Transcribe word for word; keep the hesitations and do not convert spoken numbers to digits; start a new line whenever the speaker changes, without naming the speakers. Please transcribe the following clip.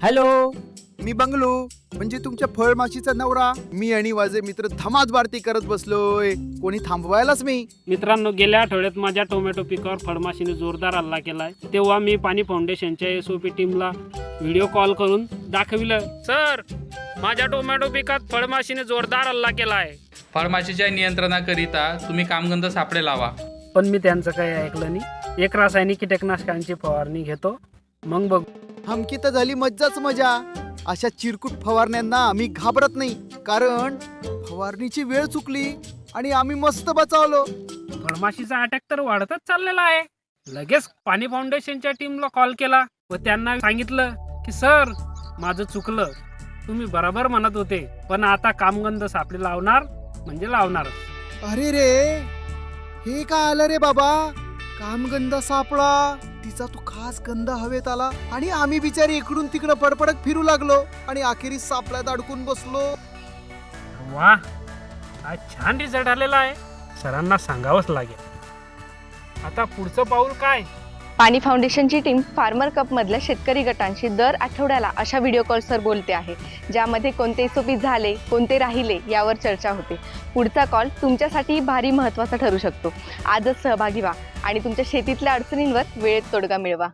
Hello,
मी बंगलू म्हणजे तुमच्या फळमाशीचा नवरा. मी आणि माझे मित्र धमाद बारती करत बसलोय. कोणी थांबवायलाच मी.
मित्रांनो, गेल्या आठवड्यात माझ्या टोमॅटो पिकावर फळमाशीने जोरदार हल्ला केलाय. तेव्हा मी पाणी फाउंडेशनच्या एस ओ पी टीमला व्हिडिओ कॉल करून दाखविलं, सर माझ्या टोमॅटो पिकात फळमाशीने जोरदार हल्ला केलाय.
फळमाशीच्या नियंत्रणाकरिता तुम्ही कामगंध सापळे लावा.
पण मी त्यांचं काही ऐकलं नाही. एक रासायनिक कीटकनाशकांची फवारणी घेतो, मग बघ.
हमकी तर झाली मज्जाच मजा. अशा चिरकुट फवारण्यांना आम्ही घाबरत नाही, कारण फवारणीची वेळ चुकली आणि आम्ही मस्त बचावलो.
फळमाशीचा अटॅक तर वाढतच चाललेला आहे. लगेच पाणी फाउंडेशनच्या टीमला कॉल केला व त्यांना सांगितलं की सर माझं चुकलं, तुम्ही बरोबर म्हणत होते, पण आता कामगंध सापळे लावणार म्हणजे लावणार.
अरे रे, हे काय आलं रे बाबा. कामगंध सापळा, तिचा तो खास गंध हवेत आला आणि आम्ही बिचारी इकडून तिकडं पडपडत फिरू लागलो आणि अखेरीस सापळ्यात अडकून बसलो.
वा, आज छान रिझल्ट आलेला आहे. सरांना सांगावंच लागेल. आता पुढचं पाऊल काय?
पाणी फाउंडेशनची टीम फार्मर कप मधल्या शेतकरी गटांशी दर आठवड्याला अशा व्हिडिओ कॉल्सवर बोलते आहे, ज्यामध्ये कोणते एसओपी झाले, कोणते राहिले यावर चर्चा होते. पुढचा कॉल तुमच्यासाठी भारी महत्त्वाचा ठरू शकतो. आजच सहभागी व्हा आणि तुमच्या शेतीतल्या अडचणींवर वेळेत तोडगा मिळवा.